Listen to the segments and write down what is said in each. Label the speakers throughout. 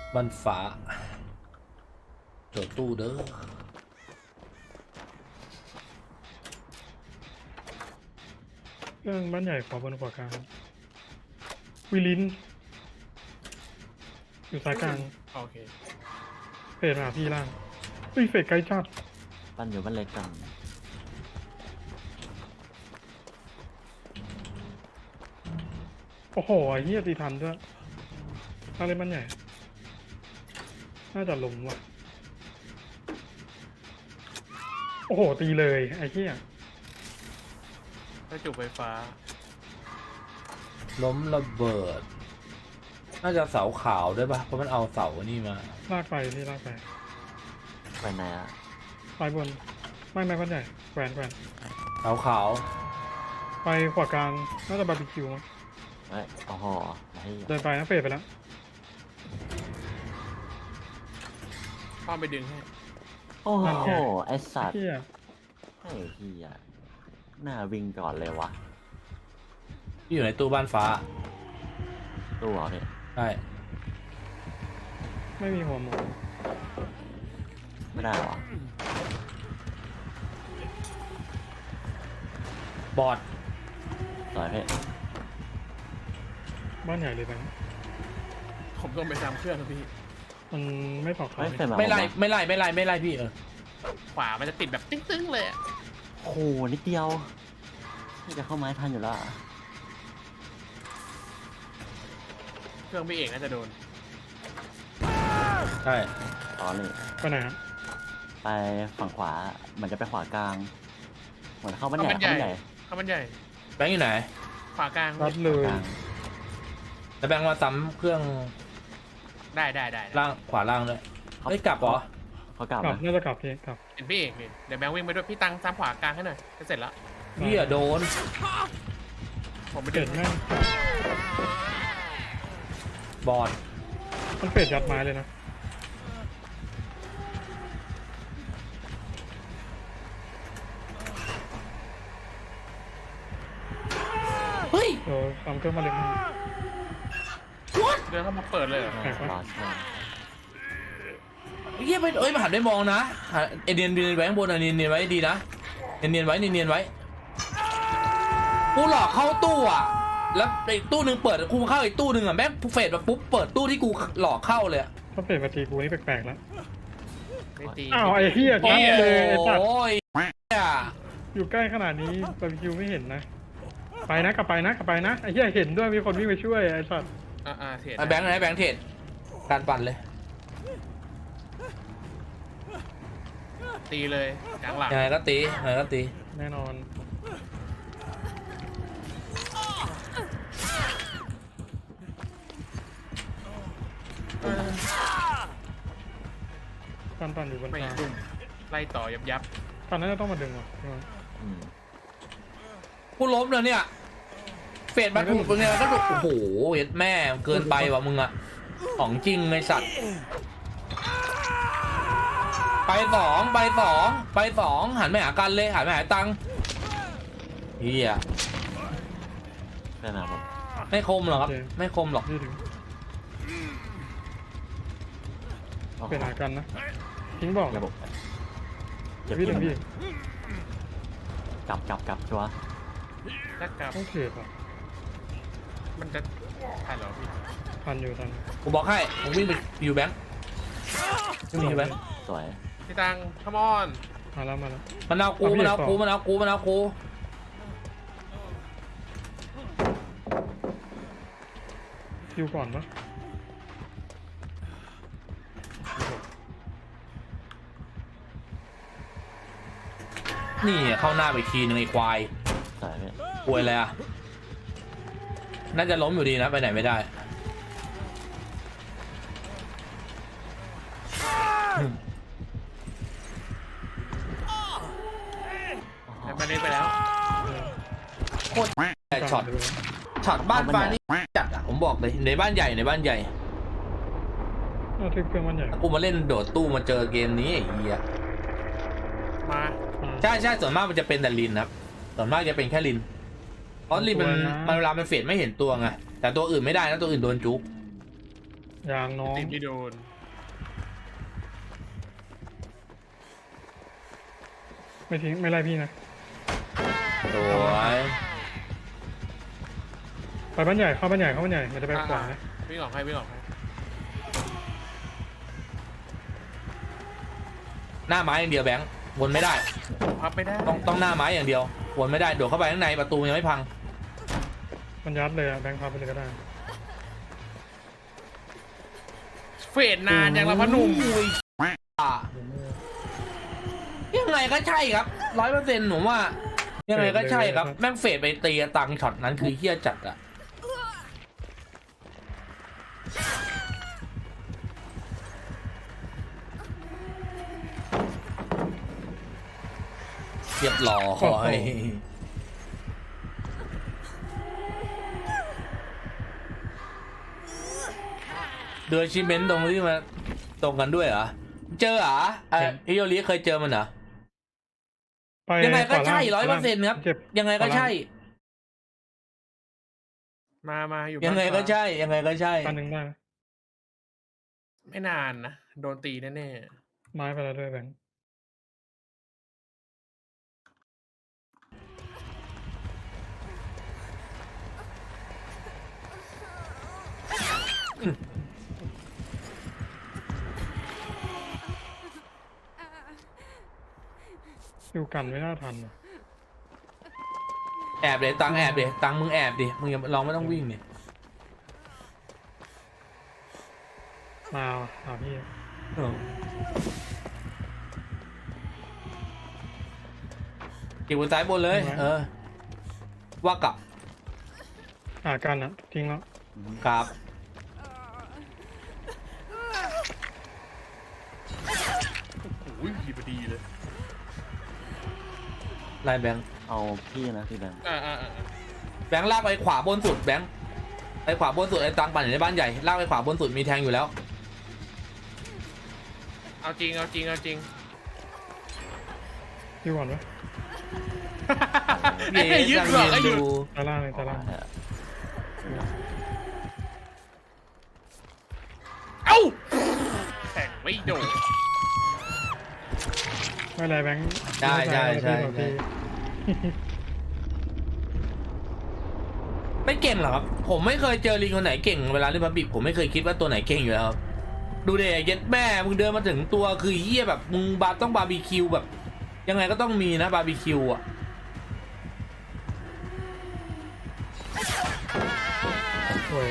Speaker 1: บ้านฟ้าโจทย์ตู้เด้อ
Speaker 2: เครื่องบ้านใหญ่ขวาบนขวากลางวิลินอยู่ซ้ายกลาง
Speaker 3: โอเค
Speaker 2: เฟดมาพี่ล่างเฮ้ยเฟดไกลจัด
Speaker 4: บ้านอยู่บ้านเล็กกัน
Speaker 2: โอ้โหไอ้เหี้ยตีทันด้วยอะไรบ้านใหญ่น่าจะล้มว่ะโอ้โหตีเลยไอ้เหี้ย
Speaker 3: ถ้าจุกไฟฟ้า
Speaker 1: ล้มระเบิดน่าจะเสาขาวด้วยปะเพราะมันเอาเสานี่มา
Speaker 2: ลากไปพี่ลากไป
Speaker 4: ไปไหนอะ
Speaker 2: ซ้ายบนไม่บ้านใหญ่แขวน
Speaker 1: เสาขาว
Speaker 2: ไปขวากลางน่าจะบาร์บีคิวมั้ง
Speaker 4: เอ้ยโอ้โหไอ้
Speaker 2: เดินไปนะเฟดไปแล้ว
Speaker 3: ป้อมไปดึงให้
Speaker 4: โอ้โหไอ้สัตว์
Speaker 2: เหี้ย
Speaker 4: ไอ้เหี้ยหน้าวิ่งก่อนเลยวะ
Speaker 1: ที่อยู่ในตู้บ้านฟ้า
Speaker 4: ตัวเหรอพี่
Speaker 1: ใช่
Speaker 2: ไม่มีหัวหมู
Speaker 4: ไม่ได้เหรอ
Speaker 1: บอด
Speaker 4: ต่อยพี่
Speaker 2: บ้านใหญ่เลยไป
Speaker 3: ผมต้องไปทำเครื่องครับพี่
Speaker 2: มันไม่ตอกเขา
Speaker 4: ไม่เคยมา
Speaker 1: ไม่ไล่
Speaker 4: ผมวะ
Speaker 1: ไม่ไล่ไม่ไล่ไม่ไล่พี่
Speaker 3: ขวามันจะติดแบบตึ้งๆเลยอะ
Speaker 4: โอ้โหนิดเดียวนี่จะเข้าไม้ทันอยู่แล้วอะ
Speaker 3: เครื่องพี่เอกน่าจะโดน
Speaker 1: ใช่
Speaker 4: อ๋อนี่
Speaker 2: ไปไหนฮะ
Speaker 4: ไปฝั่งขวาเหมือนจะไปขวากลางเหมือนเข้าบ้านใหญ่เข้าบ้านใหญ่
Speaker 3: ข้ามันใหญ่
Speaker 1: แบงค์อยู่ไหน
Speaker 3: ขวากลาง
Speaker 2: รัดเลย
Speaker 4: กลาง
Speaker 1: แล้วแบงค์มาซ้ำเครื่อง
Speaker 3: ได้
Speaker 1: ล่างขวาล่างด้วยเฮ้ยกลับเหรอ
Speaker 4: เขากลับ
Speaker 2: กลับ
Speaker 4: นะ
Speaker 2: น่าจะกลับพี่กลับ
Speaker 3: เห็นพี่เอกนี่เดี๋ยวแบงค์วิ่งไปด้วยพี่ตังซ้ำขวากลางให้หน่อยจะเสร็จแล้ว
Speaker 1: พี่อะโดน
Speaker 3: ผมไป
Speaker 2: เฟ
Speaker 3: ดึ
Speaker 2: ด
Speaker 3: ง
Speaker 2: แม่ง
Speaker 1: บอด
Speaker 2: มันเฟดยัดไม้เลยนะ
Speaker 1: เฮ้ย
Speaker 2: เดี๋ยวทำเครื่องมาเล็กนึง
Speaker 3: เดินเข้ามาเปิดเลยเหรอ
Speaker 2: แปลกปะ
Speaker 4: รอช่วง
Speaker 1: เฮียไปเอ้ยมาหันได้มองนะหันเนียนไว้ข้างบนเนียนไว้ดีนะเนียนไว้กูหลอกเข้าตู้อ่ะแล้วอีกตู้หนึ่งเปิดกูเข้าอีกตู้หนึ่งอ่ะแม่งเฟดมาปุ๊บเปิดตู้ที่กูหลอกเข้าเลย
Speaker 2: ถ้าเฟดมาตีกูนี่แปลกๆแล้ว
Speaker 3: ไม่ตี
Speaker 2: อ้าวไอ้เหี้ยชัดเลยไอ้สัตว์
Speaker 1: โอ้ย
Speaker 2: อยู่ใกล้ขนาดนี้บาร์บีคิวไม่เห็นนะ ไปนะกลับไปนะไอ้เหี้ยเห็นด้วยมีคนวิ่งไปช่วยไอ้สัตว์
Speaker 3: เสีย
Speaker 1: แบงค์ไหนแบงค์เทรดการปั่นเลย
Speaker 3: ตีเลยกลางหลัง
Speaker 1: ยังไงก็ตี
Speaker 2: แน่นอนปั่นอยู่บน
Speaker 3: ไม่
Speaker 2: กลาง
Speaker 3: ดุมไล่ต่อยับ
Speaker 2: ปั่นน่าจะต้องมาดึงว่ะ
Speaker 4: อืม
Speaker 1: กูล้มแล้วเนี่ยเฟดมาถูกตรงเนี้ยก็ถูกโอ้โหเห็ดแม่เกินไปว่ะมึงอะของจริงไอ้สัตว์ไปสองหันไปหากันเลยหันไปหาตังค์เฮีย
Speaker 4: แค่นั้นผม
Speaker 1: ไม่คมหรอกครับไม่คมหรอก
Speaker 2: นี่ถึง
Speaker 4: โอ้โห
Speaker 2: เป็นหากันนะทิ้งบอก
Speaker 4: ระบบเจ็บ
Speaker 2: พี่
Speaker 4: ที่
Speaker 2: ถึงพี่
Speaker 4: กลับชัวร์
Speaker 3: ๆถ้ากลับ
Speaker 2: ต้องเขตอ่ะ
Speaker 3: มันจะทันเหรอพี่
Speaker 2: ทันอยู่
Speaker 1: กูบอกให้ผมวิ่งไปอยู่แบงค์วิ่งไปอยู่แบงค์
Speaker 4: สวย
Speaker 3: พี่ตังขมอน
Speaker 2: มาแล้ว
Speaker 1: มันเอากู
Speaker 2: คิวก่อนปะ
Speaker 1: นี่เข้าหน้าไปทีนึงไอ้ควาย
Speaker 4: สวยพี่
Speaker 1: ป่วยเลยอ่ะน่าจะล้มอยู่ดีนะไปไหนไม่ได้
Speaker 3: แต่มาเล่นไปแล้ว
Speaker 1: โคตรแต่ช็อตบ้านฟ้านี่จัดอ่ะผมบอกเลยในบ้านใหญ่
Speaker 2: น่าทึกเครื่องมันใหญ่
Speaker 1: ถ้ากูมาเล่นโดดตู้มาเจอเกมนี้ไอ้เหี้ย
Speaker 3: มา
Speaker 1: ใช่ส่วนมากมันจะเป็นแต่ลินครับส่วนมากจะเป็นแค่ลินเพราะลินมันเวลามันเฟดไม่เห็นตัวไงแต่ตัวอื่นไม่ได้นะตัวอื่นโดนจุ๊บ
Speaker 2: เยางน้อง
Speaker 3: ตีไม่โดน
Speaker 2: ไม่ทิ้งไม่ไล่พี่นะ
Speaker 1: โอ้ย
Speaker 2: ไปบ้านใหญ่เข้าบ้านใหญ่มันจะไปขวานะ
Speaker 3: วิ่งออกให้วิ่งออกให้
Speaker 1: หน้าไม้อย่างเดียวแบงค์วนไม่ได้
Speaker 3: พับไม่ได้
Speaker 1: ต้องหน้าไม้อย่างเดียววนไม่ได้โดดเข้าไปข้างในประตูยังไม่พัง
Speaker 2: มันยัดเลยอะแบงค์พาไปเลยก็ได้
Speaker 3: เฟดนานยังละพอหนุ่ม
Speaker 1: อ่ะยังไงก็ใช่ครับ100%ผมว่า ยังไงก็ใช่ครับแม่งเฟดไปตีตังช็อตนั้นคือเฮี้ยจัดอะเรียบร้อยเดือชิเมนต์ตรงที่มาตรงกันด้วยเหรอเจอเหรอฮิโยริเคยเจอมันเหรอ
Speaker 2: ไป
Speaker 1: ยังไงก็ใช่
Speaker 2: ขวาล่าง
Speaker 1: 100%ครับ
Speaker 2: เจ็บ
Speaker 1: ยังไงก็ใช่
Speaker 3: มาอยู่
Speaker 1: ยังไงก็ใช่ ยังไงก็ใช่
Speaker 2: อันหนึ่งได้ไหม
Speaker 3: ไม่นานนะโดนตีแน่
Speaker 2: ไม้ไปแล้วด้วยแบงค์ อยู่กันไม่น่าทันว่ะ
Speaker 1: แอบเลยตังแอบดิตังมึงแอบดิมึงอย่าลองไม่ต้องวิ่งดิ
Speaker 2: มาว่ะหาพี่
Speaker 1: เก็บบนซ้ายบนเลย ว่ากลับ
Speaker 2: หากันอะทิ้งแล้ว
Speaker 1: ครับ
Speaker 3: ๆอุ้ยดีพอดีเลย
Speaker 1: ไล่แบงค์
Speaker 4: เอาพี่นะพี่แบงค์
Speaker 1: แบงค์ลากไปขวาบนสุดแบงค์ไปขวาบนสุดไอ้ตังปั่นอยู่ในบ้านใหญ่ลากไปขวาบนสุดมีแทงอยู่แล้ว
Speaker 3: เอาจริงเอาจริงเอาจริง
Speaker 2: พี่ก่อนวะ
Speaker 3: ไอ้ยึดหรอกไอ้ยึด
Speaker 2: ตาล่างเลยตาล่าง
Speaker 3: เอ้าแข่งไม่โดน
Speaker 2: ไม่เป็นไรแบงค์
Speaker 1: ใช่ใช่ใช่
Speaker 2: พี่บอกพี่
Speaker 1: ไม่เก่งหรอกครับผมไม่เคยเจอลิงคนไหนเก่งเวลาเล่นบัมบิกผมไม่เคยคิดว่าตัวไหนเก่งอยู่แล้วครับดูเดย์เย็ดแม่มึงเดินมาถึงตัวคือเฮี้ยแบบมึงต้องบาร์บีคิวแบบ ยังไงก็ต้องมีนะบาร์บีคิวอ่ะ
Speaker 2: โอ้ย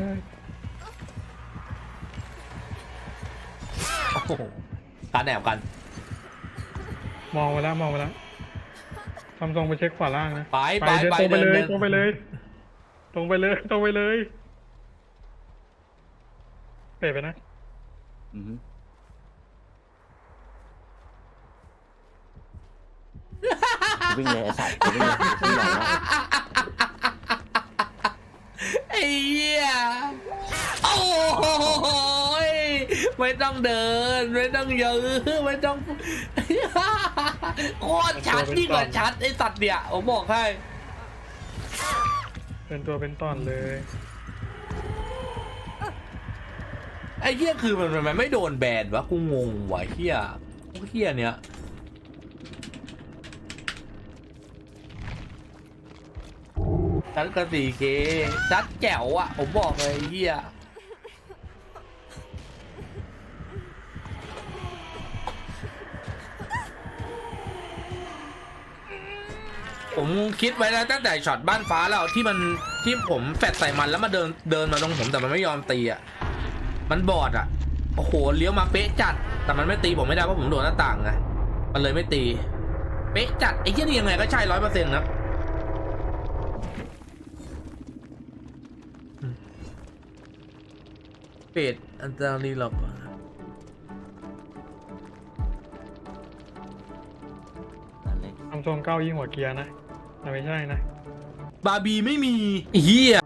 Speaker 1: โอ้โหการแอบกัน
Speaker 2: มองไปแล้วทำทรงไปเช็คขวาล่างนะ
Speaker 1: ไป
Speaker 2: ตรงไปเลย
Speaker 1: เดิน
Speaker 2: ตรงไปเลยตรงไปเลยเปะไปนะ
Speaker 4: อือฮึวิ่งเลยไอ้สัตว์วิ่งเลยวิ่งไหนวะ
Speaker 1: ไอ้เหี้ยโอ้ยไม่ต้องเดินไม่ต้องยื้อไม่ต้องโคตรชัดยิ่งกว่าชัดไอ้สัตว์เนี่ยผมบอกให้
Speaker 2: เป็นตัวเป็นตอนเลย
Speaker 1: ไอ้เหี้ยคือมันไม่โดนแบนวะกูงงวะเหี้ยเหี้ยเนี้ยชัดกระสีเคชัดแจ๋วอะผมบอกเลยไอ้เหี้ยผมคิดไว้แล้วตั้งแต่ช็อตบ้านฟ้าแล้วที่ผมแฟดใส่มันแล้วมาเดินมาตรงผมแต่มันไม่ยอมตีอ่ะมันบอดอ่ะโอ้โหเลี้ยวมาเป๊ะจัดแต่มันไม่ตีผมไม่ได้เพราะผมโดนหน้าต่างไงมันเลยไม่ตีเป๊ะจัดไอ้เหี้ยนี่ยังไงก็ใช่100%ครับเป็ดอันตรายหรอก
Speaker 4: นั่นเลย
Speaker 2: ทำทรงเก้ายิ่งหัวเกียร์นะแต่ไม่ใช่นะ
Speaker 1: บาร์บีไม่มีเฮีย